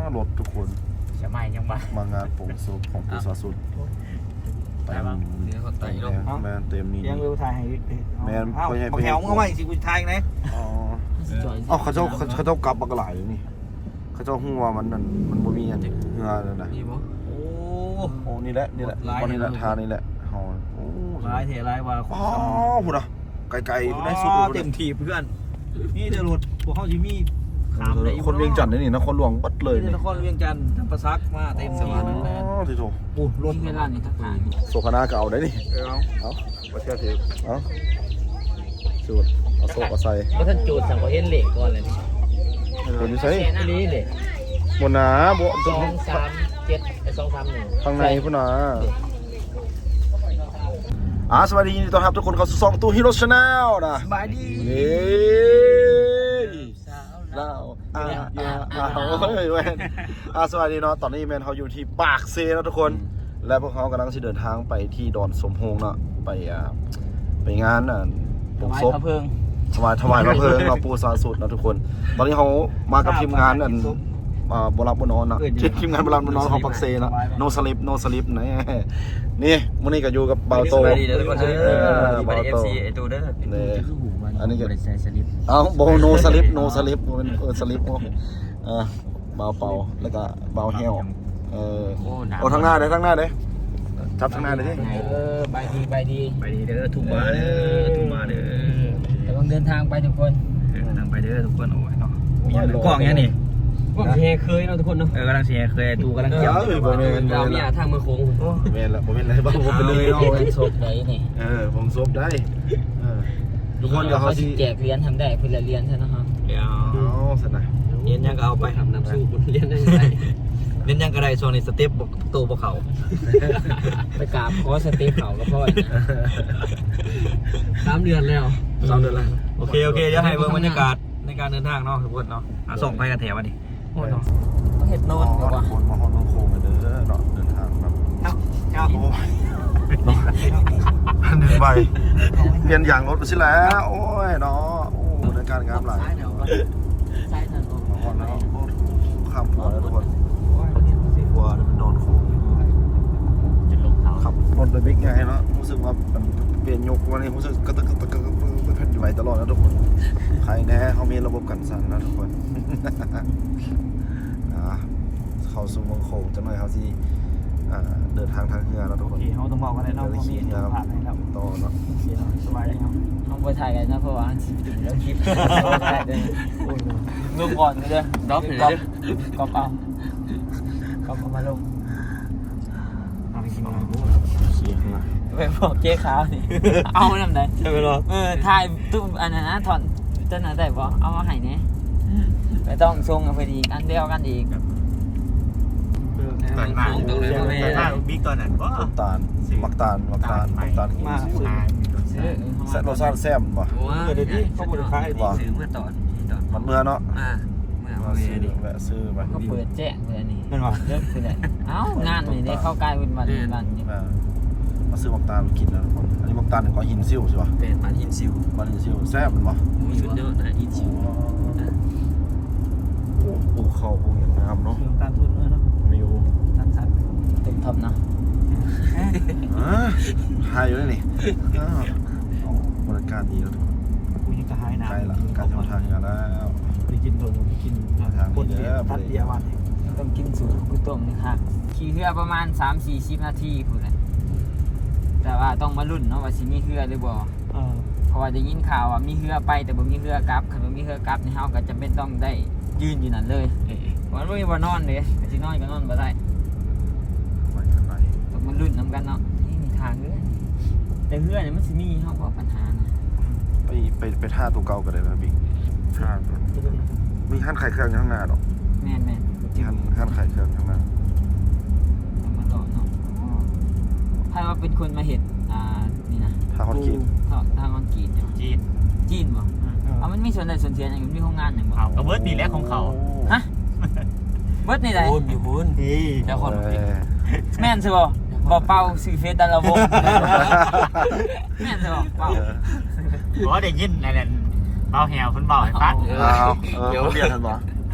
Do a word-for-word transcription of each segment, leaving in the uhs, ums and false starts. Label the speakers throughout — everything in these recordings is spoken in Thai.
Speaker 1: รถทุกคน
Speaker 2: ใช่ไหมยังบ้าม
Speaker 1: างานโปร่งศพของปูซาสุด
Speaker 2: เต็มเนื้อเขาไตลง
Speaker 1: แมนเต็มนี่
Speaker 3: ยังเร็วถ่ายให้
Speaker 1: แมน
Speaker 3: เอาบอกแถวมึงเอาไว้สิกูถ่ายไหน
Speaker 1: อ๋ออ๋อเขาเจ้าเขาเจ้ากลับบักหลายเลยนี่เขาเจ้าหัวมันนั่นมันบ่มีอันเงาเลยนะ
Speaker 3: โอ้
Speaker 1: โอ้นี่แหละนี่แหละตอนนี้แหละทานี่แหละเฮาโอ้
Speaker 3: ลายเทลายว่า
Speaker 1: อ๋อพุ่นอ่ะไกลๆได้สุด
Speaker 3: เต็มทีเพื่อนนี่จะรถพวกเขาจิมี
Speaker 1: คนเวียงจันทร์นี่นครหลวงบัดเลย
Speaker 3: นี่นครเวียงจันทร์ทำประซักมาเต็มทีนั่นแหละ
Speaker 1: อ๋อที่โถ
Speaker 3: โอ้รถเวลานี่ทักทาย
Speaker 1: โซคานาก็เอาได้นี่
Speaker 3: เอา
Speaker 1: เอาบ่เชื่อถือเอาสูตรเอาโซก็ใส่
Speaker 2: ก็ท่านจูดสั่งเขาเห็นเหล็กก่อนเลยนี่
Speaker 1: เดี๋ยวนี้ใส่
Speaker 2: นี่เหล็ก
Speaker 1: บนหนาบ่
Speaker 2: สองสามเจ็ดไอ้สองสามหนึ่ง
Speaker 1: ข้างในพุ่นน่ะอ่าสวัสดีต้อนรับทุกคนเข้าสู่ช่องตู้ฮีโร่ชาแนลนะ
Speaker 3: สบายดี
Speaker 1: เย้เราอ่าอ่าอ่าเฮ้ยเว้ยอ่าสวัสดีเนาะตอนนี้แมนเขาอยู่ที่ปากเซแล้วทุกคนและพวกเขากำลังจะเดินทางไปที่ดอนสมโฮงเนาะไปอ่าไปงานอ่ะ
Speaker 3: ถวายพระเพลิง
Speaker 1: ถวายถวายพระเพลิงเนาะปูซาสุดนะทุกคนตอนนี้เขามากับทีมงานอ่ะอ่าโบราณโบนอนเนาะทีมงานโบราณโบนอนของปักเซเนาะโนสลิปโนสลิปนะนี่มื้อนี้ก็อยู่กับเบาโต
Speaker 2: ดีเด้อทุกคนเด้อเบาโตไอ้ตูเด้อ
Speaker 1: นี่อันนี้ก็
Speaker 2: ใส่สลิป
Speaker 1: เอ้าโบโนสลิปโนสลิปเป็นเออสลิปโอ้เออเบาเป่าแล้วก็เบาเหี่ยวเออโอ้ทางหน้าเด้ทางหน้าเด้จับทางหน้าเด้ที่
Speaker 2: เออใบดีใบดี
Speaker 3: ใบดีเด้อทุ่มมาเด้อทุ่มมาเด้อ
Speaker 2: แต่ต้องเดินทางไปทุกคน
Speaker 3: เดินทางไปเด้อทุกคนโอ้ยเนาะมีอะไรกล้องเงี้ยนี่
Speaker 2: กล้องเฮเคยเนาะทุกคนเนาะ
Speaker 3: เออกำลังเสียเคยตูกำลังเกี่ยว
Speaker 2: เรามีอาทางมือโค้ง
Speaker 1: โอ้เมนละโมเมนอะไรบ้างผมเป็นเลย
Speaker 2: เนาะซบได้นี่
Speaker 1: เออผมซบได้ทุกคนเดี๋ยวเขา
Speaker 2: สิแจกเหรียญทำได้เพื่อเหรียญใช่ไหมครับ
Speaker 3: เดี๋ยว
Speaker 1: เอาสินะ
Speaker 3: เหรียญยังก็เอาไปทำน้ำสู้บุญเหรียญได้ไงเหรียญยังก็ได้ช่วงนี้สเต็ปโตพวกเขา
Speaker 2: ไปกราบขอสเต็ปเขาก็พอสามเดือนแล้ว
Speaker 3: สามเดือนแล้วโอเคโอเคเดี๋ยวให้เบิ่งบรรยากาศในการเดินทางเนาะทุกคนเนาะส่งไปกันแถววันนี้
Speaker 2: โอ้ยเนาะเห็ดโน่น
Speaker 1: เนาะคนมาฮอนน้องโคงกันเด้อเนาะเดินทางแบบ
Speaker 3: เนาะเนาะ
Speaker 1: โอ้ยเนาะเดินไปเปลี่ยนอย่างรถไปสิแล้วโอ้ยเนาะโอ้ในการงามหลาย
Speaker 2: ใช่ทันที
Speaker 1: มาฮอนแล้วข้ามหัวแล้วทุกคนหัวมันโดนโค้ง
Speaker 2: จะลงเขา
Speaker 1: ขับรถโดยบิ๊กไงเนาะรู้สึกว่าเปลี่ยนยกวันนี้รู้สึกกระตึกกระตึกกระตึกเป็นแผ่นดินไหวตลอดนะทุกคนใครแน่เขามีระบบกันสั่นนะทุกคนเขาสู่เมืองโขงจะหน่อยเขาที่เดินทางทางเรือนะทุกคน
Speaker 3: เขาต้องบอกอะไรเนาะเขามีตัวผ่านให้เรา
Speaker 1: ต่อเนาะ
Speaker 3: สบายเลยครับ
Speaker 2: ต้องไปถ่ายกันนะเพราะว่าชีวิตถึงแล้วคลิป
Speaker 3: ลงก่อนเลย
Speaker 2: ด็อกเลยก็เปล่าก็เอามาลง
Speaker 3: เอาไปกินมา
Speaker 1: เสียงนะ
Speaker 2: ไปบอกเจ๊ขาวนี่เอาทำไง
Speaker 3: ใช่ไหมล่ะ
Speaker 2: เออถ่ายตุ้มอันนั้นนะถอนต้นนั้นได้ป่เอามาให้เนี่ยไม่ต้องทรงกันพอดีอันเดียวกันอีก
Speaker 3: ตอนมาตรงเลยตอนบิ๊กตอนนั้นก็
Speaker 1: ตาลมักตาลมักตาลมักตาล
Speaker 3: มาซื้อ
Speaker 1: แซ่บรสชาติแซ่บป่ะ
Speaker 3: เดี๋ยวนี้เขาบริการ
Speaker 2: ป่ะซื้อเมื่อตอน
Speaker 1: มันเมื่อเนาะ
Speaker 2: อ่า
Speaker 1: เมื่อซื้อแวะซื้อไป
Speaker 2: ก็เปิดแจ้งเลยนี่
Speaker 3: เป็นหรอ
Speaker 2: เลิกคือไหนเอ้างานนี่ได้เข้ากลายเป็นวันวันนี่
Speaker 1: มาซื้อมักตาลกินนะทุกคนอันนี้มักตาลก็หินซิ่วใช่ป่ะ
Speaker 2: เป็นมันหินซิ่ว
Speaker 1: มันหินซิ่วแซ่บมันป่ะ
Speaker 2: สุดยอดนะหินซิ่ว
Speaker 1: ปลูกข้าวปลูกอย่างงามเนาะ
Speaker 3: ตาลทุนเนาะ
Speaker 1: มิว
Speaker 3: สั้น
Speaker 2: ๆเต็มท็อปนะ
Speaker 1: อ่าหายอยู่นี่บริการดีแล้วทุกคน
Speaker 3: กูยังจะหายน้ำ
Speaker 1: ใช่ละการทำทางกันแล้ว
Speaker 3: ไปกินตัวไปกิน
Speaker 1: ทาง
Speaker 3: คนเดียวทัดเดียววัน
Speaker 2: ต้องกินสูตรกุ้งต้มนี่ครับขี่เรือประมาณ สามสี่สิบ นาทีพูดเลยแต่ว่าต้องมาลุ้นเนาะว่าสิมีเรือหรือบ่เพราะว่าได้ยินข่าวว่ามีเรือไปแต่บ่มีเรือกลับคันบ่มีเรือกลับนี่เฮาก็จำเป็นต้องได้ยืนอยู่นั่นเลยมันไม่มีว่านอนเลยสินอนก็นอนบ่ได้ต้องมาลุ้นนำกันเนาะนี่มีทางเรือแต่เรือเนี่ยมันสิมีเฮาบ่ปัญหานะ
Speaker 1: ไปไปไปท่าตัวเก่าก็ได้นะบิ๊กท่ามีขั้นไข่เครื่องข้างหน้าดอก
Speaker 2: แม่นๆ
Speaker 1: ขั้นขั้นไข่เครื่องข้างหน้า
Speaker 2: มาต่อเนาะใครว่าเป็นคนมาเห็นอ่านี่นะ
Speaker 1: ท่าคอนกรีต
Speaker 2: ท่าคอนกรีต
Speaker 3: จีน
Speaker 2: จีนบ่เอามันมีส่วนใดส่วนเสียอย่างมีโรงงานอย่างบ่
Speaker 3: เอาก็เบิร์ดนี่แหละของเขา
Speaker 2: ฮะเบิร์ดนี่ไหน
Speaker 3: บุญอยู่บุญ
Speaker 2: เจ้าคนแม่นสิบ่บ่เป่าสื่อเฟซแต่ละวงแม่นสิบ่เป่า
Speaker 3: บ่ได้ยินนั่นเป่าแหวเพิ่นเป่าให้ฟัง
Speaker 1: อ้าวเออเขาเรียกกันบ่
Speaker 2: แ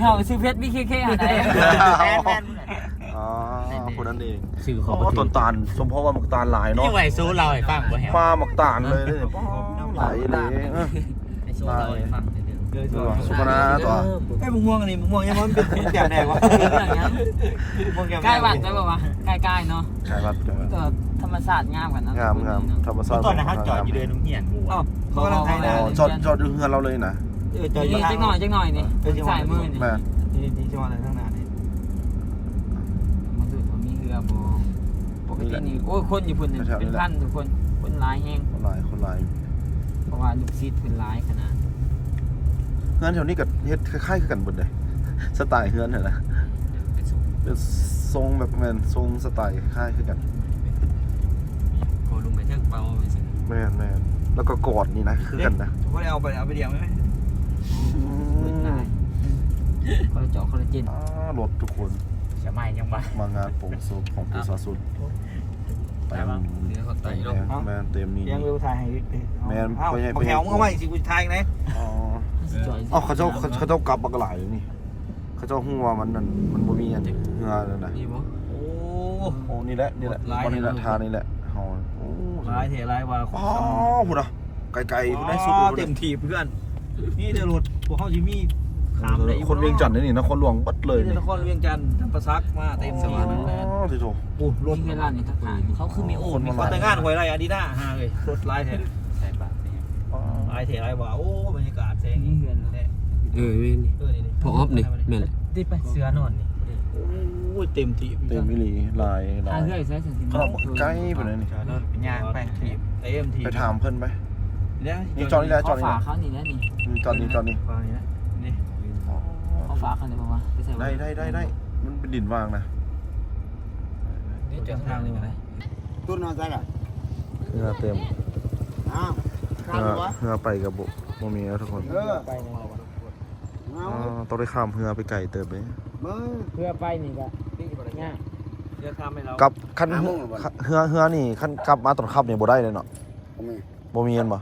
Speaker 2: เฮาซื้อเพชร บี เค เค หาได้
Speaker 4: แมนแมน
Speaker 1: อ๋อคนนั้นเอง
Speaker 4: สื่อข
Speaker 1: อ๋
Speaker 4: อง
Speaker 1: อต้นตาลสมเพราะว่าหมักตาลหลายเนาะ
Speaker 4: นี่ไหวซูเราให้ฟังบ่แฮะ
Speaker 1: ฟ้าหมักตาลเลยเนี่ยหลายเลยเออ
Speaker 4: ไอ้ซูเราให้ฟังเด้อ
Speaker 1: ดูว่าสุพนาตัว
Speaker 3: ไอ้มึงม่วงอันนี้มึงม่วงยังมันเป็นแบบแดงวะม่วงแก้ม
Speaker 2: ใกล้วัดได้ป่าวะใกล้ๆเนาะ
Speaker 1: ใช่ครับ
Speaker 2: ก็ธรรมศาสตร์งามกันนะ
Speaker 1: งามงามธรรมชาติ
Speaker 4: ตอนนั้นเขาจอดอยู่เดินนุ่งเหียนกู
Speaker 3: อ้าวเขากำลังไทย
Speaker 1: อ๋
Speaker 3: นะ
Speaker 1: อจอดจอดอยู่เฮือนเราเลยนะ
Speaker 3: เออจอดอ
Speaker 2: นี่
Speaker 3: ยู่ทาง
Speaker 2: จักหน่อยจักหน่อยนี่สายมือนี่
Speaker 1: แม่
Speaker 3: นี่ที่จังหวัดอะไรทั้งนั้นนี่
Speaker 2: มันดูว่ามีเรือบ่ปกตินี่โอ้ยคนอยู่พุ่นนี่เป็นพันทุกคนคนหลายแฮง
Speaker 1: คนหลายคนหลาย
Speaker 2: เพราะว่าลูกศิษย์เพิ่นหลายขนาด
Speaker 1: เฮือนแถวนี้กับเฮ็ดคล้ายๆกันหมดเลยสไตล์เฮือนเนี่ยนะเป็นทรงแบบแมนทรงสไตล์คล้ายคือกัน
Speaker 4: โกลุงไปเทิงเบาไปสิ
Speaker 1: แม่นแม่นแล้วก็กอดนี่นะคือกันนะ
Speaker 3: เขาได้เอาไปเอาไปเดียวไหม
Speaker 2: เพิ่นหลายคอลลาเจาะคอลลาเจน
Speaker 1: อ่ารถทุกคน
Speaker 4: จะไม่ยังบ่
Speaker 1: มางานโปร่งศพของปูซาสุด
Speaker 4: ไปบ้างเดี๋ยวเขาไต่ลง
Speaker 1: แม่นเต็มนี่
Speaker 3: ยังเร็วถ่ายให้
Speaker 1: แม่น
Speaker 3: เอ้า
Speaker 1: ไปให้ไป
Speaker 3: แถวมึงเอาไว้สิกูถ่ายไง
Speaker 1: อ๋ออ๋อเขาเจ้าเขาเขาเจ้ากลับบักหลายเลยนี่เขาเจ้าหัวมันนั่นมันบ่มีอันเฮือนั่นน่ะ
Speaker 4: นี่บ่
Speaker 3: โอ้
Speaker 1: โอ้นี่แหละนี่แหละวันนี้แหละทานี่แหละเฮาโอ้
Speaker 3: ลายเทลายว่า
Speaker 1: อ๋อพุ่นน่ะไกลๆพุ่นได้สุด
Speaker 3: อ๋อ
Speaker 1: พุ่น
Speaker 3: เต็
Speaker 1: น่ะ
Speaker 3: มทีเพื่อนนี่เดี๋ยวรถพวกเขาจิมี่ขามได้
Speaker 1: คนเวียงจันทน์นี่นครหลวงบัดเลย
Speaker 3: นี่
Speaker 1: นี่
Speaker 3: นครเวียงจันทร์ทำประซักมาเต็มที
Speaker 1: อ๋อที่โต
Speaker 3: โอ้รถ
Speaker 2: ที่ร้านนี่ทักทาย
Speaker 4: เขาคือมีโอ่งมี
Speaker 3: มาแต่งงานหวยไรอาดิด้าฮาเลยรถลายเท
Speaker 4: ใส่บาทนี่
Speaker 3: ลายเทลายว่าโอ้บรรยากาศแสง
Speaker 2: นี่เฮือน
Speaker 3: เนี่ย
Speaker 5: เออเว้นนี่
Speaker 3: เออนี่
Speaker 5: พอออฟนี่แม่นแหละ
Speaker 4: ที่ไปเสือนอนนี่
Speaker 3: โอ้ยเต็มที
Speaker 1: เต็มมิลีลายลา
Speaker 2: ถ้าย เฮือใช้สันติ
Speaker 1: ขนมใกล้ไปเลยนี่
Speaker 4: นอนเป็นย่างไปที
Speaker 3: เต็มที
Speaker 1: ไปถามเพิ่นไป
Speaker 3: เนี่ย
Speaker 1: นี่จอนี่แหละจ
Speaker 2: เขา
Speaker 1: อนี่
Speaker 2: ฝา
Speaker 1: แหละ
Speaker 2: เขานี่นะนี่
Speaker 1: อืมจอนี่จอนี่
Speaker 3: ฟังนี่นะนี่
Speaker 2: เขาฝาเขาเนี่ยบอกว่าไปใส่
Speaker 1: ได้ได้ได้ได้มันเป็นดินวางนะ
Speaker 3: นี่จอดทางนี่มาเลย
Speaker 6: ตุ้นนอนใจล่ะ
Speaker 1: เฮือเต็ม
Speaker 6: อ้าวข้า
Speaker 1: เฮื
Speaker 6: ม
Speaker 1: อ
Speaker 6: วะ
Speaker 1: เฮือไปกับบ่บ่มีแล้วทุกคน
Speaker 6: เออ
Speaker 3: ไปยังไงวะ
Speaker 6: เอา
Speaker 1: อ๋อต้องได้ข้ามเฮือไปไกลเติบเลย
Speaker 6: มึง
Speaker 2: เพื่อไปนี่ก็ง่าย
Speaker 3: เดี๋ยวทำให้เรา
Speaker 1: กลับคันเฮือเฮือเฮือนี่คันกลับมาตอนค่ำนี่บ่ได้เลยเนาะ
Speaker 6: เอามือ
Speaker 1: บ่มีอันบ่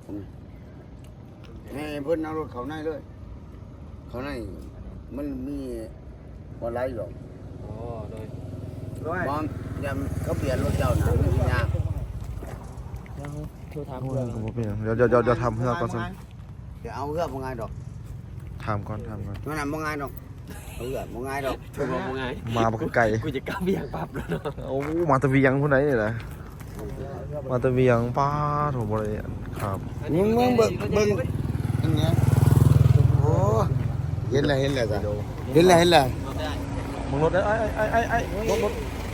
Speaker 6: ให้เพิ่นเอารถเขาในเลย เขาในมันมีบ่ไรหรอก
Speaker 3: อ๋อโดยด้วย
Speaker 6: มองยามเขาเปลี่ยนรถเจ้าหนามันสิยาก
Speaker 2: แล้วโทรถาม
Speaker 1: โอ้
Speaker 2: เพื่อย น
Speaker 1: ก็บ่เป็นหยังเดี๋ยวเดี๋ยวเดี๋ยวเดี๋ยวทำเฮือก่อนซั่น
Speaker 6: เดี๋ยวเอาเฮือกบ่ง่ายดอก
Speaker 1: ถามก่อนถามก่อน
Speaker 6: มันน่ะบ่ง่ายดอกเอาเฮือกบ่ง่ายดอก
Speaker 5: คือบอกว่าไง
Speaker 1: มาบ่ไกล
Speaker 5: กูจะกล้าเบี่ยงปั๊บแล้วเนาะ
Speaker 1: โอ้มาแตะเวียงพุ่นไหนนี่แหละมาแตะเวียงป้าโถบ่ได้ครับ
Speaker 6: มึงมึงเบิ่งเบิ่งอันเนี้ยโอ้เห็นแล้วเห็นแล้วจ้ะเห็นแล้วเห็นแล้ว
Speaker 1: มึงรถไอ้ไอ้ไอ้ไอ้รถรถ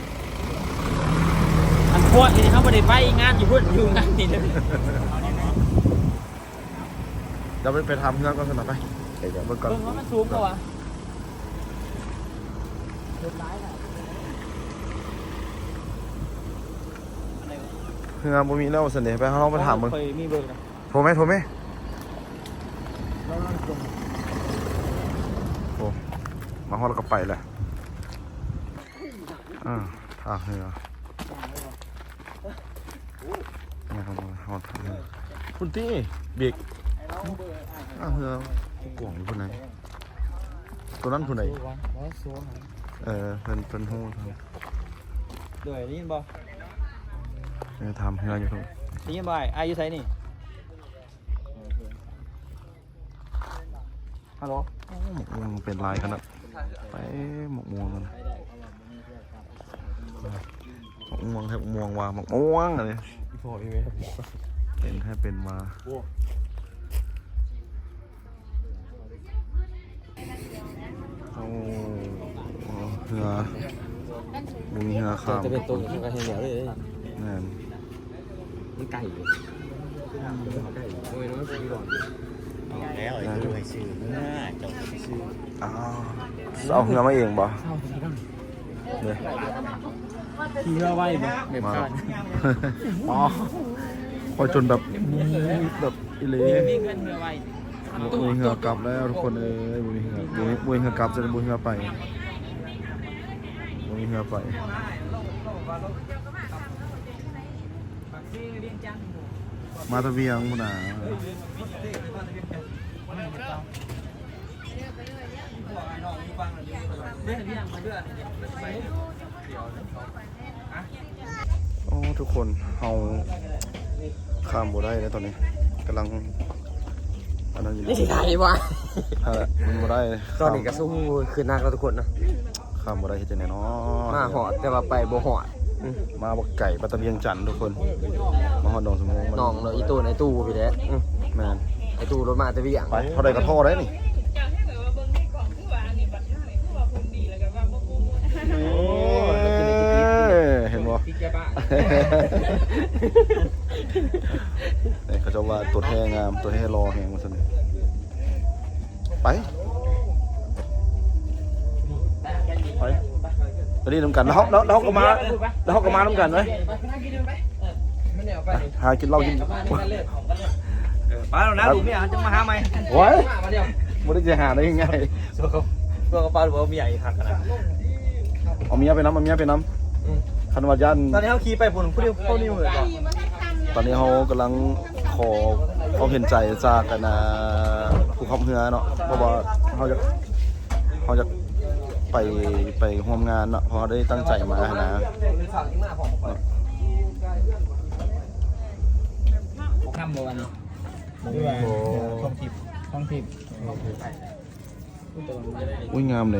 Speaker 2: อันพวกนี่เขาไม่ได้ไปงานอยู่พุ่นอยู่งานนี่เลย
Speaker 1: เดี๋ยวไปไปทำเฮือก่อนซั่นน่ะไปเดี๋ยวเบิ่งก่อน
Speaker 2: เบิ่งว่ามันสูงกว่าวะรถร้ายน่ะ
Speaker 1: เฮือบ่มีแล้วซั่นเด้ไปเฮาลองไปถามมึง
Speaker 3: เคยมีเบอร์นะ
Speaker 1: โทรไหมโทรไหมโอ้มาฮอดแล้วก็ไปแหละอ่าท่าเรือนี่ครับฮอดท่าเรือคุณตี้เบรกอ่าเรือกล่องอยู่คนไหนตัวนั้นคนไหนเออเป็นเป็นหู้ท
Speaker 3: โดยนี่ยินบ่
Speaker 1: ำเนี่ยทำเรืออยู่ตรง
Speaker 3: นี่ยินบ่ไอ้อายุไสนี่ฮัลโหล
Speaker 1: หมกม่วงเป็นลายขนาดไปหมกม่วงกันหมกม่วงให้หมกม่วงว่าหมกม่วงอะไรเป็นให้เป็นมาโอ้เรือบุมีเรือข้าม
Speaker 5: จะเป็นตัวที่กระเทียมเหนียวเลย
Speaker 1: แน่น
Speaker 5: มันไก่อยู่ไก่โอ้ยน้องสีหลอด
Speaker 4: แล้วไอ้ตัวไอ้ชื่อหน้าเจ้าชื่อ
Speaker 1: อ้าวเอาเรือมาเองบ่เนี่ย
Speaker 2: ขี่เรือไว้บ่แบบ
Speaker 1: มา
Speaker 2: กัน
Speaker 1: อ๋อพอจนแบบแบบอิเล่
Speaker 2: มีเงินเรือไว้
Speaker 1: บุยเหือกลับแล้วทุกคนเอ้ยบุยเหือบุยบุยเหือกลับจะบุยเหือไปบุยเหือไปมาตะเวียงมุนาโอ้ทุกคนเฮาข้ามบ่ได้แล้วตอนนี้กำลังอันนั้นอยู่
Speaker 5: นี่สิไทยวะ
Speaker 1: นั่นแหละมันบ่ได้เลย
Speaker 5: ตอนนี้ก็สู้คือนักแล้วทุกคนนะ
Speaker 1: ข้ามบ่ได้เฮ็ดจังได๋เนาะ
Speaker 5: มาหอดแต่ว่าไปบ่หอด
Speaker 1: มาบ่ไก่ปัตตะเวียงจันทน์ทุกคนมาฮอดดองสมง
Speaker 5: น้องเนาะอีตู้ในตู้พี่แหละ
Speaker 1: แม่น
Speaker 5: ไอตู้รถมาแต่วิ่ง
Speaker 1: ไปเท่าใดก็โทรได้นี่เห็นบ่นี่เขาจะว่าตัวแท้งามตัวแท้รอแฮงว่าซั่นไปไปไปนี่นำกันแล้วแล้วแล้วก็มาแล้วก็มานำกันไหมหากินเหล้ากิน
Speaker 3: ไปแล้วนะลูกเมียจะมาหาไหม
Speaker 1: โอ้ยไม่ได้จะหาได้ยังไง
Speaker 3: ตัวเขาตัวเขาป้าหรือว่าเมียอีกทักกันนะ
Speaker 1: เอาเมียไปน้ำเอาเมียไปน้ำคันวายัน
Speaker 3: ตอนนี้เขาขี่ไปผมผู้เดียวเขานี่เหมือนกัน
Speaker 1: ตอนนี้เขากำลังขอเขาเห็นใจจากกันนะผู้ขับเรือเนาะเพราะว่าเขาจะเขาจะไปไปร่วมงานเนาะเพราะได้ตั้งใจมานะ
Speaker 2: ข้ามบวัน
Speaker 1: โอ้โห
Speaker 3: ท่องทิพย์
Speaker 2: ท้องทิพย์
Speaker 1: อุ้ยงามเลย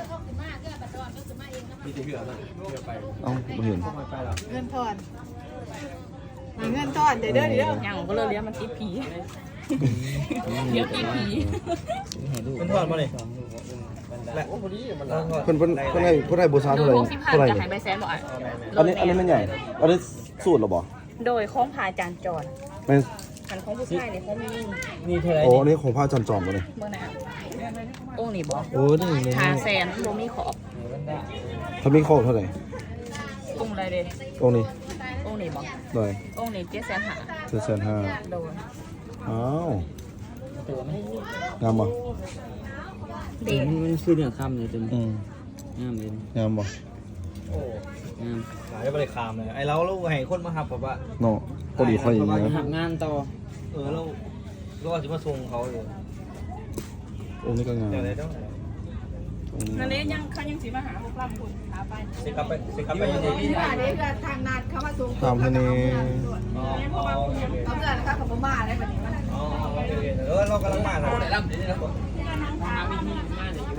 Speaker 3: มีแต่เหือมันเหือไป
Speaker 1: เอ้าไม่เห็น
Speaker 7: เงินทอนเงินทอนเดี๋ยวเด้อเดี๋ยวเด้อ
Speaker 8: อย่างก็เลยเรียกมันติดผีเดี๋ยวติดผี
Speaker 3: เป็นทอดมาเลยและโอ้พอดีมันทอด
Speaker 1: เพิ่นเพิ่นเพิ่นให้เพิ่นให้บูชาเท่าไหร่
Speaker 8: หกสิบพัน
Speaker 1: เท่าไหร่
Speaker 8: จะหายไปแสนบ่อ่ะ
Speaker 1: อันนี้อันนี้มันใหญ่อันนี้สูตรหรอบ่
Speaker 8: โดยของพาจานจร
Speaker 1: เป็น
Speaker 8: ขันของผู้ชายเนี่ยของไม่ยิ่ง
Speaker 3: นี่เท่าไร
Speaker 1: โอ้อันนี้ของพระจันทร์จอมตัวนี้
Speaker 8: เมื่อไหร่องค์นี่บอก
Speaker 3: โอ้นี่เลย
Speaker 8: หาแสนโมมีขอบ
Speaker 1: ถ้ามีโคตรเท่าไหร่
Speaker 8: องค์อะไรเด้
Speaker 1: องค์นี้
Speaker 8: องค์นี่บอก
Speaker 1: หน่อย
Speaker 8: องค์นี่เจ็ดแสนหา
Speaker 1: เจ็ดแสนห้า
Speaker 8: โดย
Speaker 1: อ้าวงามบ่
Speaker 8: เด็ก
Speaker 2: มันคือเนื้อคำเลยจน
Speaker 1: อืม
Speaker 2: งามเลย
Speaker 1: งามบ่
Speaker 3: โอ้
Speaker 2: งาม
Speaker 3: ขายไปเลยคามเลยไอเราเราให้คนมาหับแบบว่า
Speaker 1: เนาะพอดีค่อยอย่างเงี้ย
Speaker 2: ทำงานต่อ
Speaker 3: เออเราเราอาจจะมาส่งเขาอยู่
Speaker 1: องค์นี้ก็งาม
Speaker 3: อย่างไรต้อง
Speaker 1: องค์นี้
Speaker 8: นั่นเลยยังเขายังสีมาหาพวกเราคุณหาไป
Speaker 3: สิกลับไปสิกลับไปยังไง
Speaker 7: ที่ว่าเดี๋ยวจะทางนัดเขามาส่ง
Speaker 1: ตามให้นี่
Speaker 3: อ๋ออ๋อโอเค
Speaker 7: เขาเกิดนะคะเขามาได้แบบนี้มัน
Speaker 3: อ๋อโอเคเออเรากำลังมาเราได้รับดีนะผม
Speaker 2: หาวิธีงานอยู่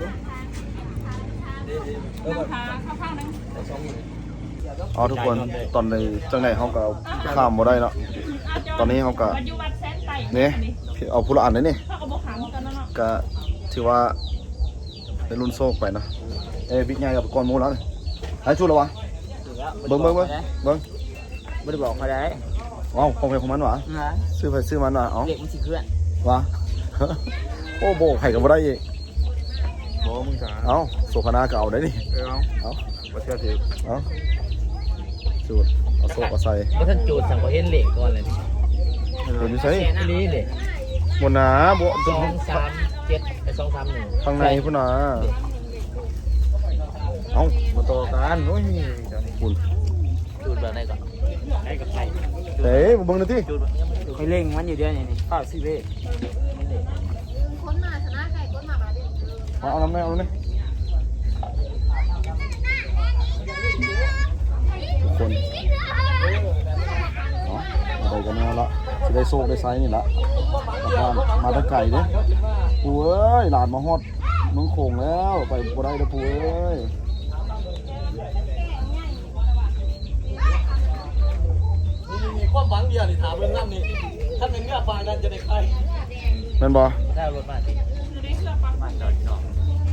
Speaker 3: เออแบบ
Speaker 8: หาข้าวๆนึง
Speaker 3: สองหมื่น
Speaker 1: อ๋อทุกคนตอนในจังไหนเขาก็ข้ามบ่ได้เนาะตอนนี้เขาก็
Speaker 8: ปัจจุบันแสนไต่
Speaker 1: นี่เอาผู้ละอันเลยนี่
Speaker 8: เขาก็บอกหาเหมือนกันเนาะ
Speaker 1: ก็ถือว่าเป็นรุ่นโซกไปนะเอ้บิ๊กใหญ่กับก้อนหมูแล้วนี่หายชุดแล้ววะเบิ้งเบิ้งเบิ้งเบิ้ง
Speaker 2: ไม่ได้บอกเขาได้
Speaker 1: ว้าวของใครของมันวะ
Speaker 2: นะ
Speaker 1: ซื้อไปซื้อมันวะเอ้า
Speaker 2: เด็กมันสิเคลื่อน
Speaker 1: วะ โอ้โบไข่กับบ่ได้อีก
Speaker 6: บ่มึงจ๋า
Speaker 1: เอ้าโซฟานาก็เอาได้นี่
Speaker 6: เออเอา
Speaker 1: เอ้า
Speaker 6: บ่เชื่อถือ
Speaker 1: เอ้าจูดเอาโซกเอาใส่
Speaker 2: ก็ท่านจูดสั่งเขาเห็นเหล็กก่อนเลย
Speaker 1: เดี๋ยวนี้ใส่
Speaker 2: นี่เลย
Speaker 1: บนหนาบน
Speaker 2: สองสามเจ็ดไอ้สองสามหนึ่ง
Speaker 1: ข้างในพุ่นหนาเอ้ามาต่อกันโอ้ยคุณ
Speaker 2: จูดแบบไหนก่อนได้กับใคร
Speaker 1: เต้มาเบิ่งหน่อยที่
Speaker 2: เคยเล่งมันอยู่เดือนนี้นี่ข้าวซีเว่
Speaker 7: คนมาชนะใครคนมาบ้าดิ
Speaker 1: เอาเอาน้ำแม่เอาน้ำแม่ทุกคนเนาะอะไรกันแน่ละจะได้โซกได้ไซส์นี่ละกลับบ้านมาตะไก่เด้ปูเอ้ยหลานมาฮอดเมืองโขงแล้วไปบ่ได้เด้อปูเอ้ย
Speaker 3: มีความหวังเดียวนี่ถามเรื่องนั้นนี่ถ้าเป็นเงื่อฟ้านั้นจะได้ใคร
Speaker 1: แม่นบ่
Speaker 3: ได้รถมาสิมาจอดนอก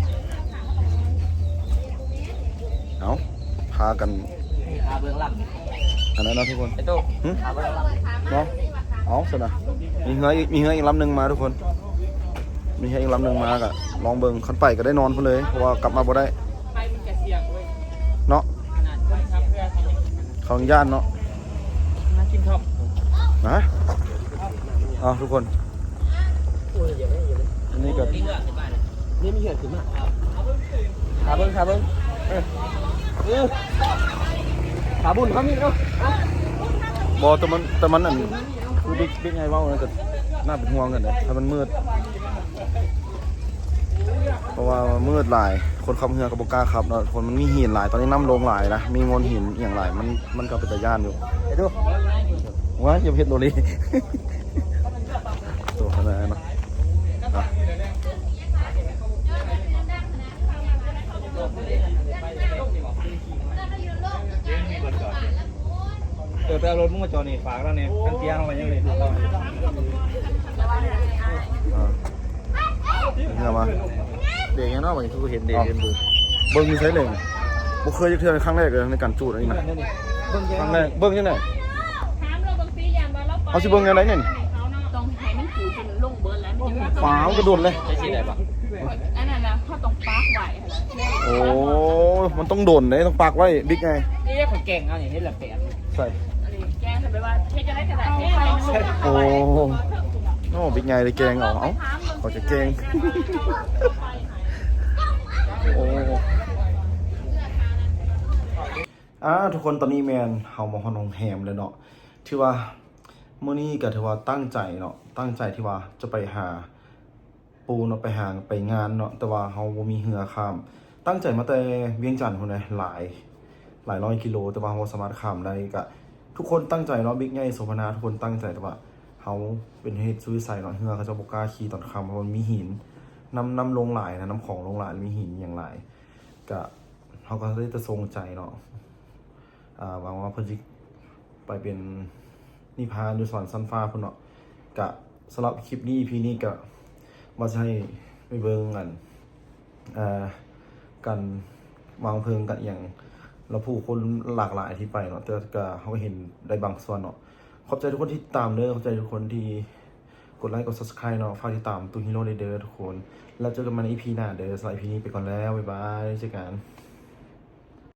Speaker 1: เอาพากัน
Speaker 3: หาเบื้องหลัง
Speaker 1: อันนั้นนะทุกคน
Speaker 3: ไอ้โต้
Speaker 1: หึ
Speaker 3: หาเบื้องหลัง
Speaker 1: เนาะเอาสินะมีเหืออีกมีเหืออีกลำหนึ่งมาทุกคนมีเหืออีกลำหนึ่งมากะลองเบิ่งคันไปก็ได้นอนพุ่นเลยเพราะว่ากลับมาบ่ได้
Speaker 2: ไปมันจะเสี่ยงเว้ย
Speaker 1: เนาะ
Speaker 2: ขนาดคนขับเรือเขา
Speaker 1: เขาย่านเนาะ
Speaker 2: มากินท็อป
Speaker 1: นะเอาทุกคนอันนี้ก็
Speaker 2: นี่มีเหือดขึ้นมาขาเบิ้งขาเบิ้งเออเออขาบุญเขามีเนาะ
Speaker 1: บอแต่มันแต่มันอันคือบิ๊กบิ๊กไงเว้านะก็น่าเป็นห่วงกันเลยถ้ามันมืดเพราะว่ามืดหลายคนขับเรือกับบกล้าขับเนาะคนมันมีหินหลายตอนนี้น้ำลงหลายนะมีงนหินอย่างหลายมันมันก็เป็นตะย่านอยู่ไอ้ดูว่าอย่าเพ็ดโดรี ตัวขนาดนั้นเนาะอ่ะ
Speaker 3: เดี๋ยวไปเอารถมึงมาจอดนี่ฝากแล้วเนี่ยกันเตียงเอาไว้ยังเลย
Speaker 1: อ่ะเรือมาเด็กยังเนาะวันนี้คือเห็นเด็กเห็นดูเบิ้งมีใช้เลยบุเคยจะเทือนครั้งแรกเลยในการจูดอันนี้นะครั้งแรกเบิ้งยังไง
Speaker 8: ถามเราบางทีอย่างว่าเรา
Speaker 1: เอาสิเบิ้งยังไงเนี่ยนี่
Speaker 8: ต้องให้มันขู่จนลงเบิร์นแล้วมันจะ
Speaker 1: ฟ้าวกระโดดเลย
Speaker 2: ใช่สิได้ปะ
Speaker 8: อันนั้นนะเขาต้องปาร์กไว้
Speaker 1: โอ้มันต้องโดนเลยต้องปักไว้บิ๊กไง
Speaker 2: นี่เรียกคนเก่งเอาอย่างนี้แหละแปด
Speaker 1: ใส่
Speaker 8: แกทำไปว่าเทจะได้กระดาษเทใส่
Speaker 1: โอ้โอ้บิ๊กไงเลยแกงเอาเอ้าขอจะแกงโอ้อ่าทุกคนตอนนี้แมนเฮามาฮอนองแฮมเลยเนาะที่ว่ามื้อนี้ก็ถือว่าตั้งใจเนาะตั้งใจที่ว่าจะไปหาปูเนาะไปหาไปงานเนาะแต่ว่าเฮาบ่มีเรือข้ามตั้งใจมาแต่เวียงจันทน์พุ่นน่ะหลายหลายร้อยกิโลแต่ว่าเฮาบ่สามารถข้ามได้ก็ทุกคนตั้งใจเนาะบิ๊กใหญ่โสภณาทุกคนตั้งใจแต่ว่าเฮาเป็นเหตุสุวิสัยเนาะเรือเขาจะบ่กล้าขี่ตอนค่ำเพราะมันมีหินน้ำน้ำลงหลายนะน้ำของลงหลายมีหินอย่างหลายก็เฮาก็ได้แต่ทรงใจเนาะอ่าหวังว่าเพิ่นสิไปเป็นนิพพานอยู่สวรรค์ชั้นฟ้าพุ่นเนาะก็สำหรับคลิปนี้ อี พี นี้ก็ว่าจะให้ไปเบิ่งกันเอ่อกันวางเพลิงกันอย่างเราผู้คนหลากหลายที่ไปเนาะแต่ก็เฮาก็เห็นได้บางส่วนเนาะขอบใจทุกคนที่ตามเด้อขอบใจทุกคนที่กดไลค์กด Subscribe เนาะฝากติดตามตูฮีโร่เด้อทุกคนแล้วเจอกันใหม่ใน อี พี หน้าเด้อสำหรับ อี พี นี้ไปก่อนแล้วบ๊ายบายเจอกัน